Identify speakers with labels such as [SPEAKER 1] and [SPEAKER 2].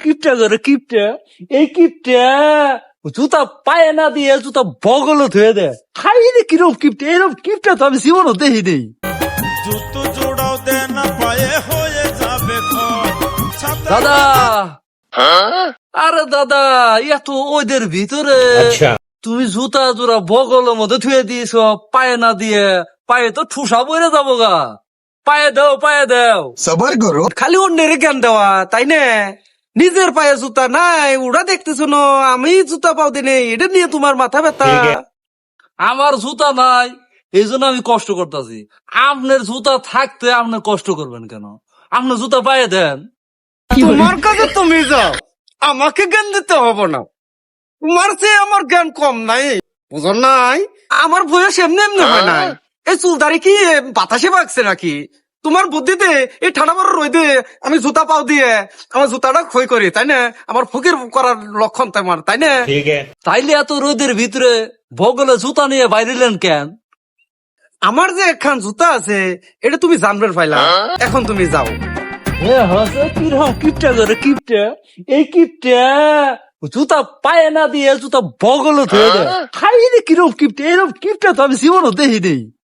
[SPEAKER 1] কিপটা করে কিপটা, এই কিপটা জুতা পায়ে না দিয়ে জুতা বগলে ধুয়ে দেয়। খাই রে কিরম কিপটা, এরকম কিপটা তো আমি জীবনও দেখি নেই।
[SPEAKER 2] জুতো জোড়াও দে না পায়ে হয়ে যাবে
[SPEAKER 1] দাদা, আরে দাদা, এত ওদের ভিতরে তুমি জুতা জোড়া বগলের মধ্যে ধুয়ে দিয়েছ পায়ে না দিয়ে, পায়ে তো ঠুসা বইরে যাবো গা। পায়ে দাও, পায়ে দাও।
[SPEAKER 3] সবার করো।
[SPEAKER 4] খালি অন্যের জ্ঞান দেওয়া, তাই না? নিজের পায়ে জুতা নাই, ওরা দেখতেছো না আমি জুতা পাও দিনে, এটা নিয়ে তোমার মাথা ব্যথা।
[SPEAKER 1] আমার জুতা নাই, এই জন্য আমি কষ্ট করতেছি। আপনার জুতা থাকতে আপনি কষ্ট করবেন কেন? আপনার জুতা পায়ে দেন।
[SPEAKER 4] তোমার কাছে তুমি যাও, আমাকে জ্ঞান দিতে হবে না। তোমার চেয়ে আমার জ্ঞান কম নাই, বুঝো নাই? আমার বয়স এমনি এমনি হয় নাই। এই চুলদারি কি বাতাসে বাগছে নাকি? তোমার বুদ্ধিতে এই ঠান্ডা বড় রোদে আমি জুতা পাও দিয়ে আমার জুতাটা ক্ষয় করি, তাই না? আমার ফকির করার লক্ষণ তোমার, তাই না?
[SPEAKER 1] তাইলে এত রোদের ভিতরে বগলে জুতা নিয়ে বাইরেলেন কেন?
[SPEAKER 4] আমার যে একখান জুতা আছে এটা তুমি জানবে পাইলা, এখন তুমি যাও।
[SPEAKER 1] কিরকম কিপটা করে কিপটা, এই কিপটা জুতা পায়ে না দিয়ে জুতা বগলে ধুয়ে দেয়। খাই রে কিরম কিপটা, এরকম কিপটা তো আমি জীবনও দেখি নেই।